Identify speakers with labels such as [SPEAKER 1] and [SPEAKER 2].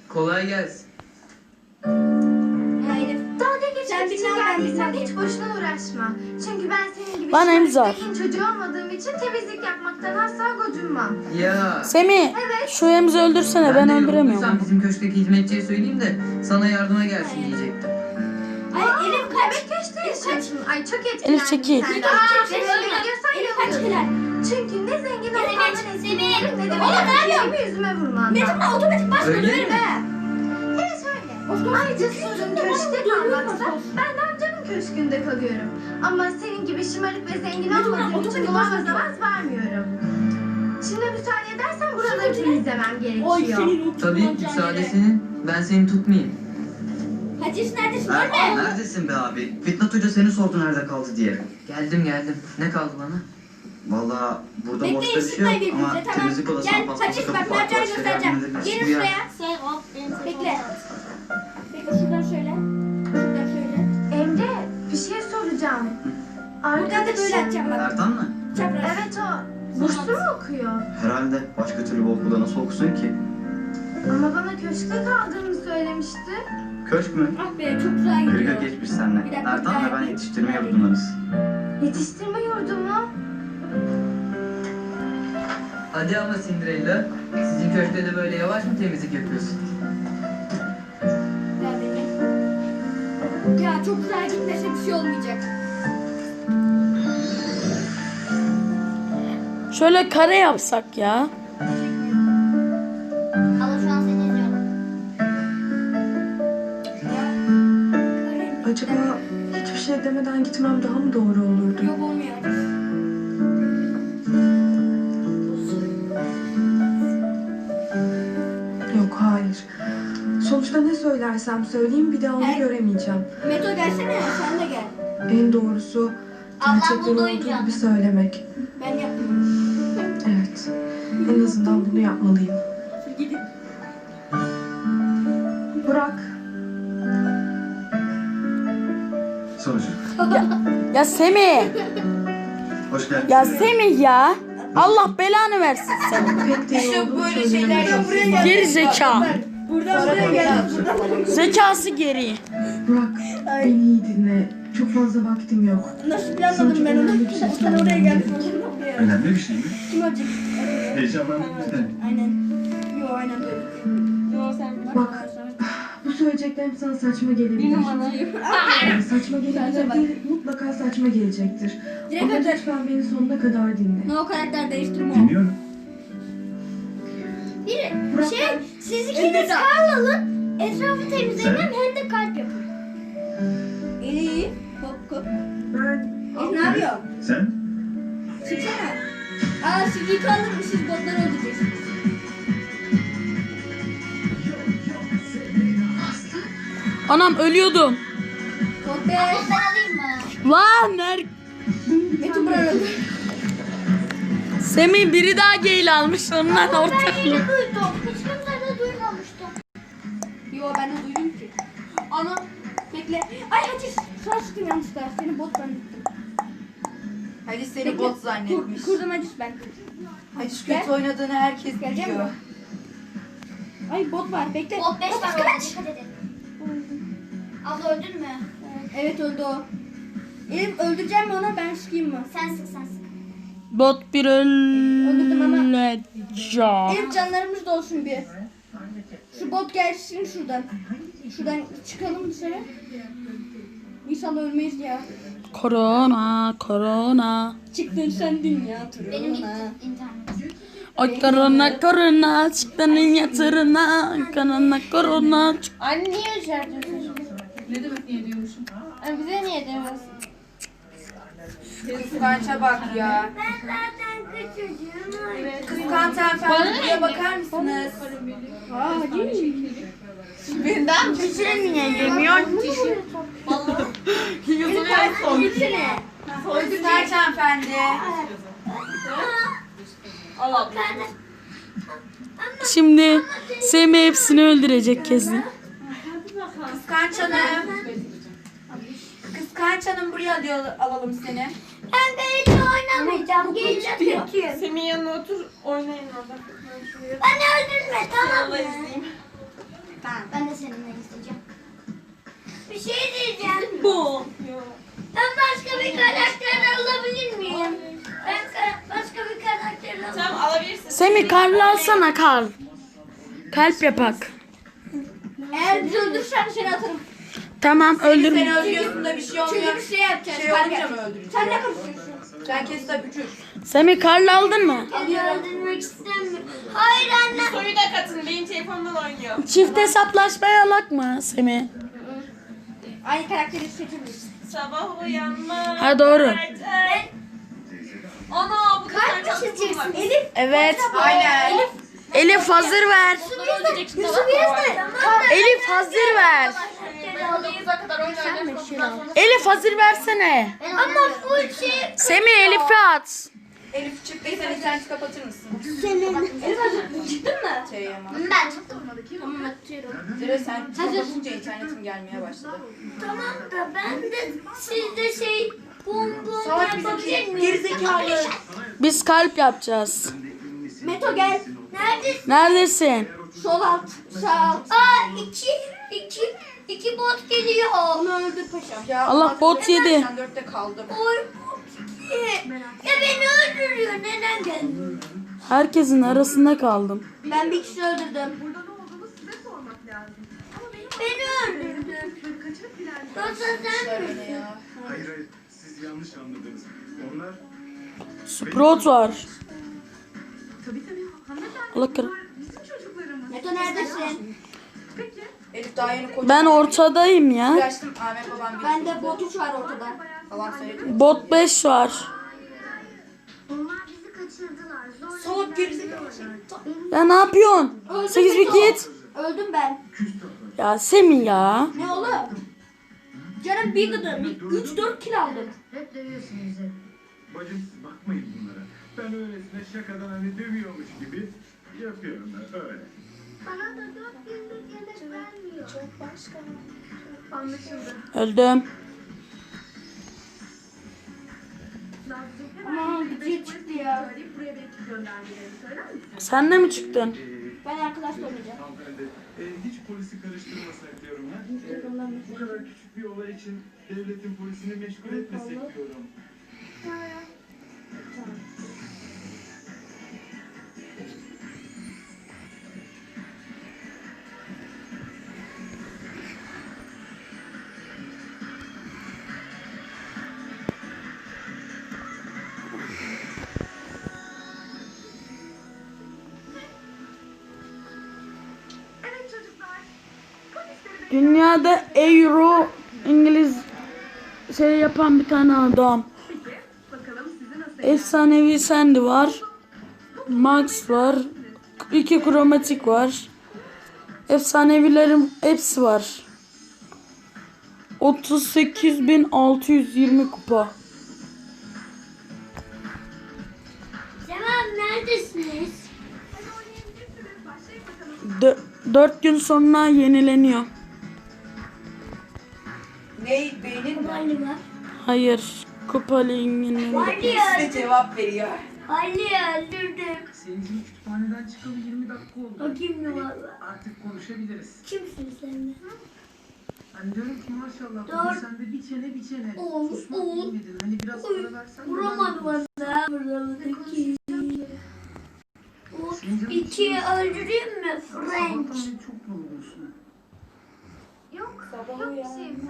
[SPEAKER 1] Kolay gelsin.
[SPEAKER 2] Dalga geçmek için geldiysen hiç boşuna uğraşma. Çünkü ben senin gibi
[SPEAKER 3] Bana imza.
[SPEAKER 2] çocuğu olmadığım için temizlik yapmaktan asla gocunmam.
[SPEAKER 1] Ya.
[SPEAKER 3] Semih şu Emzi öldürsene ben
[SPEAKER 1] de
[SPEAKER 3] öldüremiyorum.
[SPEAKER 1] yorulduysan bizim köşkteki hizmetçiye söyleyeyim de sana yardıma gelsin diyecektim.
[SPEAKER 2] Ay Elif kaç yaşındasın? Ay çok etkilendim.
[SPEAKER 3] Elif çekil.
[SPEAKER 2] Elif kaç Çünkü ne zengin olmandan etkilenirim ne de benim yüzüme vurmandan.
[SPEAKER 4] Metin'le otomatik başla
[SPEAKER 1] Öyle
[SPEAKER 4] döverim
[SPEAKER 1] mi?
[SPEAKER 4] he.
[SPEAKER 2] Evet öyle. Ayrıca sorun köşkte kalmaksa ben de amcamın köşkünde kalıyorum. Ama senin gibi şımarık ve zengin olmadığım için buna avaz vermiyorum. Şimdi müsaade edersen buraları temizlemem gerekiyor.
[SPEAKER 1] Tabii müsaade senin. Ben seni tutmayayım.
[SPEAKER 4] Hacı neredesin?
[SPEAKER 5] Aa, neredesin be abi? Fitnat Hoca seni sordu nerede kaldı diye.
[SPEAKER 1] Geldim. Ne kaldı bana?
[SPEAKER 5] Vallahi burada
[SPEAKER 4] Bekleyin,
[SPEAKER 5] boşta bir şey
[SPEAKER 4] sıkmayın
[SPEAKER 5] yok ama
[SPEAKER 4] birbirinize, tamam.
[SPEAKER 5] temizlik odasına
[SPEAKER 4] Gel,
[SPEAKER 5] paspası
[SPEAKER 4] Hacı,
[SPEAKER 5] kapı
[SPEAKER 4] bak,
[SPEAKER 5] farklı
[SPEAKER 4] Mercan'ı
[SPEAKER 5] şeyler
[SPEAKER 4] göstereceğim.
[SPEAKER 5] halledebilirsin.
[SPEAKER 4] Gelin
[SPEAKER 5] Bu yer-
[SPEAKER 4] şuraya. Bekle. Bekle şuradan şöyle. Şuradan şöyle.
[SPEAKER 2] Emre bir şey soracağım.
[SPEAKER 4] Buradan da böyle atacağım bak.
[SPEAKER 5] Ertan mı?
[SPEAKER 4] Çapraz.
[SPEAKER 2] Evet o. Burslu mu okuyor?
[SPEAKER 5] Herhalde. Başka türlü bu okulda nasıl okusun ki?
[SPEAKER 2] Ama bana köşkte kaldığını söylemişti.
[SPEAKER 5] Köşk mü?
[SPEAKER 4] Ah be çok güzel gidiyor.
[SPEAKER 5] Kırga geçmiş seninle.
[SPEAKER 4] Bir dakika,
[SPEAKER 5] Ertan
[SPEAKER 4] bir
[SPEAKER 5] ve ben
[SPEAKER 4] dakika.
[SPEAKER 5] yetiştirme yurdundayız.
[SPEAKER 2] Yetiştirme yurdu mu?
[SPEAKER 1] Hadi ama Cinderella. Sizin köşkte de böyle yavaş mı temizlik yapıyorsun?
[SPEAKER 4] Gel beni. Ya çok güzel gitmese bir şey olmayacak.
[SPEAKER 3] Şöyle kare yapsak ya.
[SPEAKER 4] Allah şu an seni izliyorum.
[SPEAKER 6] Acaba hiçbir şey demeden gitmem daha mı doğru olurdu?
[SPEAKER 4] Yok olmuyor.
[SPEAKER 6] Yok, hayır. Sonuçta ne söylersem söyleyeyim bir daha onu
[SPEAKER 4] Evet.
[SPEAKER 6] göremeyeceğim.
[SPEAKER 4] Meto gelsene sen de gel.
[SPEAKER 6] En doğrusu gerçekten olduğu gibi söylemek.
[SPEAKER 4] Ben yapmıyorum.
[SPEAKER 6] Evet. En azından bunu yapmalıyım.
[SPEAKER 4] Gidin.
[SPEAKER 6] Burak,
[SPEAKER 5] Sonucu.
[SPEAKER 3] Ya Semih.
[SPEAKER 5] Hoş geldin.
[SPEAKER 3] Ya Semih ya. Allah belanı versin seni.
[SPEAKER 6] pek de iyi olduğunu
[SPEAKER 4] böyle şeyler
[SPEAKER 6] söylenemez.
[SPEAKER 4] yap.
[SPEAKER 3] Geri zeka.
[SPEAKER 4] Buradan buraya gel.
[SPEAKER 3] Zekası geri.
[SPEAKER 6] Burak, beni iyi dinle. Çok fazla vaktim yok.
[SPEAKER 4] Nasıl planladım ben onu? Sen oraya gel.
[SPEAKER 5] Önemli bir şey mi?
[SPEAKER 4] Kim olacak?
[SPEAKER 5] Heyecanlandın mı?
[SPEAKER 4] Aynen. Yo aynen böyle. Yo sen
[SPEAKER 6] Bak, bu söyleyeceklerim sana saçma gelebilir. Yani saçma gelebilir değil, mutlaka saçma gelecektir.
[SPEAKER 4] Direkt
[SPEAKER 6] Ama
[SPEAKER 4] öter.
[SPEAKER 6] lütfen beni sonuna kadar dinle.
[SPEAKER 4] Ne o karakter değiştirme o.
[SPEAKER 5] Dinliyorum.
[SPEAKER 4] Bir şey, siz ikiniz kar alın, etrafı temizleyin hem de kalp yapın. İyi, hop hop.
[SPEAKER 6] Ben
[SPEAKER 4] Ne yapıyorsun?
[SPEAKER 5] Sen?
[SPEAKER 4] Çıksana. Aa siz yıkı alır mı? Siz botları öldüreceksiniz.
[SPEAKER 3] Anam ölüyordum.
[SPEAKER 4] Bot be. Ben alayım mı?
[SPEAKER 3] Lan
[SPEAKER 4] Metin buraya öldü.
[SPEAKER 3] Semih biri daha geyil almış ondan ortak.
[SPEAKER 4] duydum. Hiç kimse de duymamıştım. Yo ben de duydum ki. Ana bekle. Ay hadi sana sıktım yanlışlıkla. Seni bot zannettim.
[SPEAKER 7] Hadi seni bot zannetmiş.
[SPEAKER 4] Kurdum Hacı ben.
[SPEAKER 7] Hadi şu kötü oynadığını herkes
[SPEAKER 4] Geleceğim
[SPEAKER 7] biliyor.
[SPEAKER 4] mi? Ay bot var bekle.
[SPEAKER 8] Bot 5 tane
[SPEAKER 4] kaç?
[SPEAKER 8] oldu, dikkat edin. Abla öldün mü?
[SPEAKER 4] Evet öldü o. Elif öldüreceğim mi onu ben sıkayım mı?
[SPEAKER 8] Sen sık.
[SPEAKER 3] Bot bir
[SPEAKER 4] Öldürdüm ama.
[SPEAKER 3] ölecek.
[SPEAKER 4] Elif canlarımız da olsun bir. Şu bot gelsin şuradan. Şuradan çıkalım dışarı. İnşallah ölmeyiz ya.
[SPEAKER 3] Korona.
[SPEAKER 4] Çıktın sendin ya.
[SPEAKER 8] Benim
[SPEAKER 4] Turuna.
[SPEAKER 8] internet.
[SPEAKER 3] Ay korona çıktın yatırına. Korona.
[SPEAKER 8] Anne niye içerdiyorsun? Ne demek niye diyormuşum? Anne bize niye demiyorsun?
[SPEAKER 7] Kıskança bak ya.
[SPEAKER 8] Ben zaten kız çocuğum.
[SPEAKER 7] Kıskanç hanımefendi buraya bakar mısınız?
[SPEAKER 4] Aa hadi.
[SPEAKER 7] Birinden
[SPEAKER 3] Pişirin niye yemiyor?
[SPEAKER 4] Gitsene.
[SPEAKER 7] Kıskanç hanımefendi.
[SPEAKER 3] Şimdi Semih hepsini öldürecek kesin.
[SPEAKER 7] Kıskanç hanım. Kıskanç hanım buraya diyor, alalım seni.
[SPEAKER 8] Ben böyle oynamayacağım. Geleceğim kötüyüm.
[SPEAKER 9] Senin yanına otur, oynayın orada.
[SPEAKER 8] Beni öldürme tamam mı?
[SPEAKER 7] Tamam alabilirsin.
[SPEAKER 3] Semih Karl'ı alsana Karl. Kalp yapak.
[SPEAKER 4] Eğer bizi öldürürsen seni atarım.
[SPEAKER 3] Tamam öldürme.
[SPEAKER 7] Seni öldürüyorsun da bir şey olmuyor.
[SPEAKER 4] Çünkü bir şey yapacağız.
[SPEAKER 7] Şey
[SPEAKER 4] kalp
[SPEAKER 7] olunca
[SPEAKER 4] yap.
[SPEAKER 7] mı öldüreceksin?
[SPEAKER 4] Sen ne karışıyorsun?
[SPEAKER 7] Sen kes tabii uçur.
[SPEAKER 3] Semih Karl'ı aldın mı?
[SPEAKER 2] Öldürmek istemiyorum. Hayır anne.
[SPEAKER 7] Soyu da katın. Benim telefonumdan oynuyor.
[SPEAKER 3] Çift hesaplaşmaya alak mı Semih?
[SPEAKER 4] Aynı karakteri seçebiliriz.
[SPEAKER 7] Sabah uyanma.
[SPEAKER 3] Ha doğru.
[SPEAKER 7] Ana bu
[SPEAKER 2] Kalp mi seçeceksin?
[SPEAKER 4] Elif.
[SPEAKER 3] Evet.
[SPEAKER 7] Aynen.
[SPEAKER 3] Elif hazır ver.
[SPEAKER 2] Yusuf yazdı.
[SPEAKER 3] Elif hazır ver. Elif hazır versene.
[SPEAKER 2] Ama full şey.
[SPEAKER 3] Semih Elif'i at.
[SPEAKER 7] Elif çıktıysan interneti kapatır mısın?
[SPEAKER 4] Elif hazır. Çıktın mı?
[SPEAKER 7] Şey ama.
[SPEAKER 2] Ben çıktım.
[SPEAKER 4] Tamam atıyorum.
[SPEAKER 7] Zira sen kapatınca internetin gelmeye başladı.
[SPEAKER 2] Tamam da ben de sizde şey bum bum
[SPEAKER 7] Salak
[SPEAKER 2] yapabilir
[SPEAKER 7] bizimki
[SPEAKER 2] miyim?
[SPEAKER 7] gerizekalı.
[SPEAKER 3] Biz kalp yapacağız.
[SPEAKER 4] Meto gel.
[SPEAKER 2] Neredesin?
[SPEAKER 3] Neredesin?
[SPEAKER 4] Sol alt. Sağ alt.
[SPEAKER 2] Aa iki bot geliyor.
[SPEAKER 4] Onu öldür paşam.
[SPEAKER 7] Ya
[SPEAKER 3] Allah bot yedi.
[SPEAKER 7] 84'te kaldım.
[SPEAKER 2] Oy bot iki. Ya beni öldürüyor. Neden geldin?
[SPEAKER 3] Herkesin arasında kaldım.
[SPEAKER 4] Ben bir kişi öldürdüm.
[SPEAKER 6] Burada ne olduğunu size sormak lazım. Ama benim
[SPEAKER 2] Beni öldürdün.
[SPEAKER 6] kaçırıp ilerledim.
[SPEAKER 2] Yoksa sen mi?
[SPEAKER 7] Öyle ya.
[SPEAKER 9] Hayır hayır, siz yanlış anladınız. Onlar
[SPEAKER 3] Sprout var.
[SPEAKER 6] Tabii hanımefendi.
[SPEAKER 3] Allah kır.
[SPEAKER 6] Bizim çocuklarımız.
[SPEAKER 4] Meto neredesin?
[SPEAKER 6] Peki.
[SPEAKER 7] Elif daha yeni kocaman.
[SPEAKER 3] Ben ortadayım ya.
[SPEAKER 7] Uğraştım Ahmet babam bir
[SPEAKER 4] Bende bot 3 var ortada.
[SPEAKER 7] falan söyledi.
[SPEAKER 3] Bot 5 var.
[SPEAKER 2] Onlar bizi kaçırdılar.
[SPEAKER 7] Salak gerizekalı.
[SPEAKER 3] Ya ne yapıyorsun?
[SPEAKER 4] Öldüm
[SPEAKER 3] 8
[SPEAKER 4] Meto.
[SPEAKER 3] bit git.
[SPEAKER 4] Öldüm ben.
[SPEAKER 3] Ya Semih ya.
[SPEAKER 4] Ne oğlum? Canım bir gıdım. 3-4 kill aldım.
[SPEAKER 2] Hep dövüyorsun bizi.
[SPEAKER 9] bacım siz bakmayın bunlara. Ben öylesine şakadan hani dövüyormuş gibi yapıyorum ben öyle.
[SPEAKER 2] Bana da 4 günlük yemek vermiyor. Çok başka.
[SPEAKER 6] Anlaşıldı.
[SPEAKER 3] Öldüm.
[SPEAKER 6] Nazlıcığım
[SPEAKER 4] Aman
[SPEAKER 6] hemen
[SPEAKER 4] gücü çıktı ya.
[SPEAKER 6] söyleyip buraya bir ekip göndermelerini söyler misin?
[SPEAKER 3] Sen de mi çıktın?
[SPEAKER 4] Ben arkadaş oynayacağım.
[SPEAKER 9] Hanımefendi, hiç polisi karıştırmasak diyorum ya. Bu kadar küçük bir olay için devletin polisini meşgul etmesek diyorum.
[SPEAKER 6] Evet çocuklar. Polisleri
[SPEAKER 3] Dünyada Euro İngiliz şey yapan bir tane adam.
[SPEAKER 6] bekle. Bakalım sizi nasıl
[SPEAKER 3] Efsanevi Sandy var. Max var. 2 kromatik var. Efsanevilerin hepsi var. 38.620 kupa.
[SPEAKER 2] Tamam neredesiniz?
[SPEAKER 3] 4 gün sonra yenileniyor.
[SPEAKER 7] Ne beynin mi?
[SPEAKER 2] Galiba.
[SPEAKER 3] Hayır. Kupa liginin.
[SPEAKER 7] Size cevap veriyor.
[SPEAKER 2] Ali öldürdüm.
[SPEAKER 5] Selin'cim kütüphaneden çıkalı 20 dakika oldu.
[SPEAKER 2] Bakayım ne var.
[SPEAKER 5] Artık konuşabiliriz.
[SPEAKER 2] Kimsin sen?
[SPEAKER 5] Hani diyorum ki maşallah
[SPEAKER 2] Doğru.
[SPEAKER 5] bugün sen de bir çene bir çene.
[SPEAKER 2] Oo,
[SPEAKER 5] Susmak
[SPEAKER 2] oo.
[SPEAKER 5] bilmedin. Hani biraz ara versen de
[SPEAKER 2] Vuramadı
[SPEAKER 5] ben de
[SPEAKER 2] bana. Buradaki.
[SPEAKER 5] Selin'cim,
[SPEAKER 2] İkiyi öldüreyim mi?
[SPEAKER 5] sabahtan
[SPEAKER 2] French.
[SPEAKER 5] beri çok yorgunsun.
[SPEAKER 2] Yok. Yok bir şey.